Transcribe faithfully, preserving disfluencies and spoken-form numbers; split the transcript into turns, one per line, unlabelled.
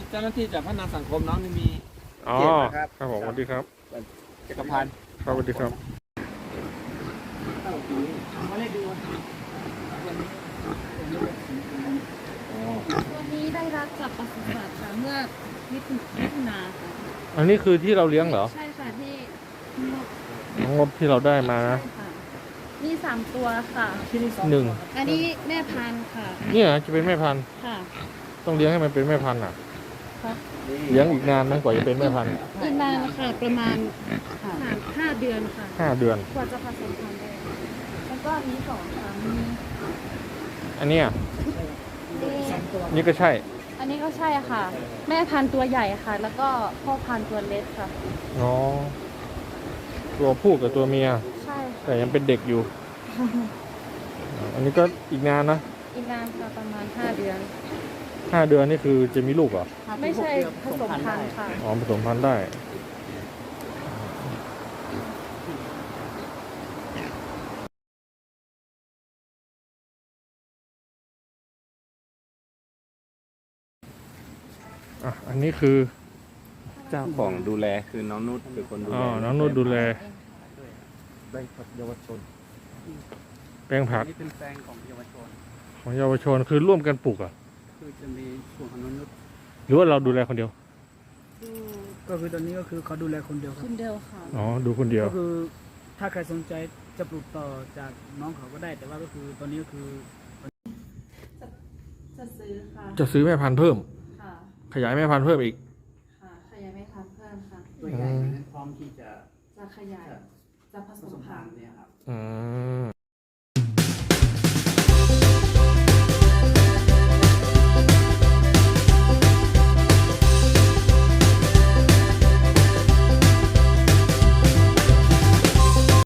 เจ้าหน้าที่จากพัฒนาสังคมน้องนี่มี
อ๋อ
เจ็ดนะครับ
ครับผมสวัสดีครับ
จักรพันธ์
ครับสวัสดีครับ
ตัวนี้ได้รับจากปศุสัตว์ค่ะเมื่อมิถุมิถุนาค่ะ
อันนี้คือที่เราเลี้ยงเหรอ
ใช่ค่ะที่
งบที่เราได้มา
ใช่
นะ
ค่ะมีสามตัวค่ะ
หนึ่ง
อันนี้แม่พันธุ์ค่ะ
เนี่ยจะเป็นแม่พันธุ์
ค่ะ
ต้องเลี้ยงให้มันเป็นแม่พันธุ์อ่ะ
ครับ
เลี้ยงอีกนานไหมกว่าจะเป็นแม่พันธุ์
อีกนานค่ะประมาณห้าห้าเดือนค่ะ
ห้าเดือน
กว่าจะผสมพันธุ์ได้แล้วก็อันนี้สองค่ะมี
อันเนี้ย
นี่
นี่ก็ใช่
อันนี้ก็ใช่ค่ะ แม่พันธุ์ตัวใหญ่ค่ะ แล้วก็พ่อพันธุ์ตัวเล็กค่ะ
อ๋อตัวผู้กับตัวเมีย
ใช่ค่ะ
แต่ยังเป็นเด็กอยู่ อันนี้ก็อีกนานนะ
อีกนานค่ะประมาณห้าเดือน
ห้าเดือนนี่คือจะมีลูกเหรอ
ไม่ใช่ผสมพันธุ์ค่ะ
อ๋อผสมพันธุ์ได้ อ่ะ อันนี้คือ
เจ้าของดูแลคือน้องนุชเป็นคนดู
อ๋
แล
อ น้องนุชดูแล
แบงค์ผักเยาวชน
แปลงผัก
นี่เป็นแปลงของเยาวชน
ของเยาวชนคือร่วมกันปลูกเหรอ่ะ
คือจะมีส่วนของนุช
หรือว่าเราดูแลคนเดียว
ดู
ก็คือตอนนี้ก็คือเขาดูแลคนเดียวครั
คุ
บ
ณเดียวค่ะ
อ๋อ ดูคนเดียว
ก็คือถ้าใครสนใจจะปลูกต่อจากน้องเขาก็ได้ แต่ว่าก็คือตอนนี้ก็คือ
จะซื้อค่ะ
จะซื้อแม่พันธุ์เพิ่ม
ค่ะ
ขยายแม่พันธุ์เพิ่มอีก
ค่ะขยายไม่ทันเพิ่มค่ะ
ตัวใหญ่นั้นพร้อมที่จะ
จะขยาย จะผ
ผ
ส
ส
ม
ม
พั
พั
น
น
ธุ์
ธุ์เนี่ยครับ
อืม